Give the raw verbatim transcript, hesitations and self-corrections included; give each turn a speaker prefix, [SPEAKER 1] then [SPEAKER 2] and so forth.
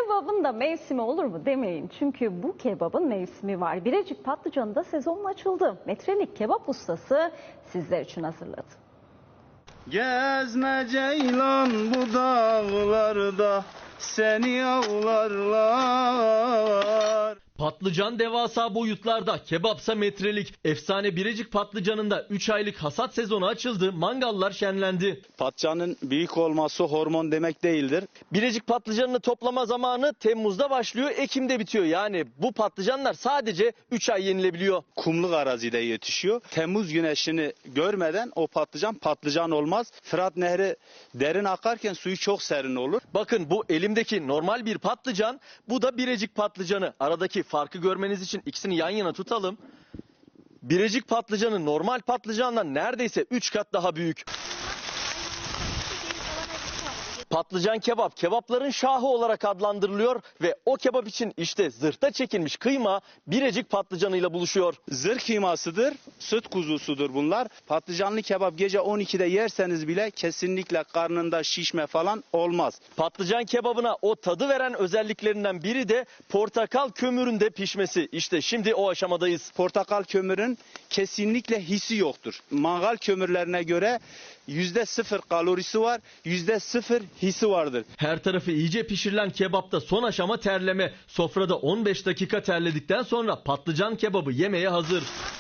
[SPEAKER 1] kebabın da mevsimi olur mu demeyin. Çünkü bu kebabın mevsimi var. Birecik Patlıcanı'nda sezon açıldı. Metrelik kebap ustası sizler için hazırladı.
[SPEAKER 2] Gezme ceylan bu dağlarda, seni avlarlar.
[SPEAKER 3] Patlıcan devasa boyutlarda, kebapsa metrelik. Efsane Birecik Patlıcanı'nda üç aylık hasat sezonu açıldı, mangallar şenlendi.
[SPEAKER 2] Patlıcanın büyük olması hormon demek değildir.
[SPEAKER 3] Birecik patlıcanını toplama zamanı Temmuz'da başlıyor, Ekim'de bitiyor. Yani bu patlıcanlar sadece üç ay yenilebiliyor.
[SPEAKER 2] Kumluk arazide yetişiyor. Temmuz güneşini görmeden o patlıcan patlıcan olmaz. Fırat Nehri derin akarken suyu çok serin olur.
[SPEAKER 3] Bakın bu elimdeki normal bir patlıcan, bu da Birecik patlıcanı. Aradaki farkı görmeniz için ikisini yan yana tutalım. Birecik patlıcanı normal patlıcandan neredeyse üç kat daha büyük. Patlıcan kebap, kebapların şahı olarak adlandırılıyor ve o kebap için işte zırhta çekilmiş kıyma Birecik patlıcanıyla buluşuyor.
[SPEAKER 2] Zırh kıymasıdır, süt kuzusudur bunlar. Patlıcanlı kebap gece on ikide yerseniz bile kesinlikle karnında şişme falan olmaz.
[SPEAKER 3] Patlıcan kebabına o tadı veren özelliklerinden biri de portakal kömüründe pişmesi. İşte şimdi o aşamadayız.
[SPEAKER 2] Portakal kömürün kesinlikle hissi yoktur. Mangal kömürlerine göre yüzde sıfır kalorisi var, yüzde sıfır hissi vardır.
[SPEAKER 3] Her tarafı iyice pişirilen kebapta son aşama terleme. Sofrada on beş dakika terledikten sonra patlıcan kebabı yemeye hazır.